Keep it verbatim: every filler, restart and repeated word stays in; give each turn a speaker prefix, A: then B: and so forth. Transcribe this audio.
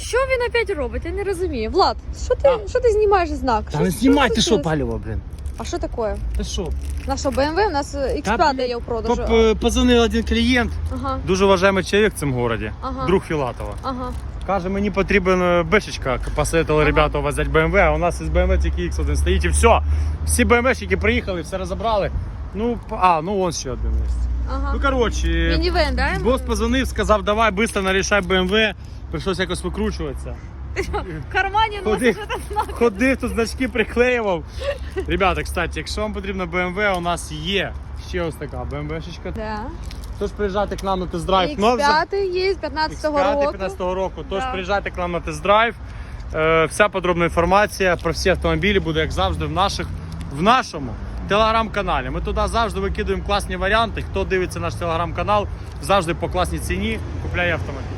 A: Що він опять робить? Я не розумію. Влад, що ти,
B: А?
A: що ти знімаєш знак?
B: Та не знімай, ти що
A: случилось?
B: паліво, блін.
A: А що таке?
B: Ти що?
A: Наша Б М В, у нас ікс п'ять є в продажу.
B: Поп- Позвонив один клієнт,
A: Ага,
B: дуже вважаємий чоловік в цьому місті,
A: Ага.
B: друг Філатова.
A: ага.
B: Каже, мені потрібен бешечка, посоветували ребята взяти Б М В, а у нас із Б М В тільки ікс один стоїть і все. Всі Б М Вщики приїхали, все розібрали. Ну, а, ну вон ще один є.
A: Ага.
B: Ну, коротше,
A: Мінівен, да?
B: бос позвонив, сказав, давай, швидко нарішай Б М В. Прийшлося якось викручуватися.
A: В кармані
B: Ходи.
A: носиш этот знак.
B: Ходив, тут значки приклеював. Ребята, кстати, якщо вам потрібна Б М В, у нас є ще ось така Б М В-шечка.
A: Да.
B: Тож приїжджайте к нам на тест-драйв.
A: ікс п'ять є з п'ятнадцятого року.
B: п'ятнадцятого року. Тож
A: Да.
B: приїжджайте к нам на тест-драйв. Е, вся подробна інформація про всі автомобілі буде, як завжди, в, наших, в нашому телеграм-каналі. Ми туди завжди викидуємо класні варіанти. Хто дивиться наш телеграм-канал, завжди по класній ціні купляє автомобіль.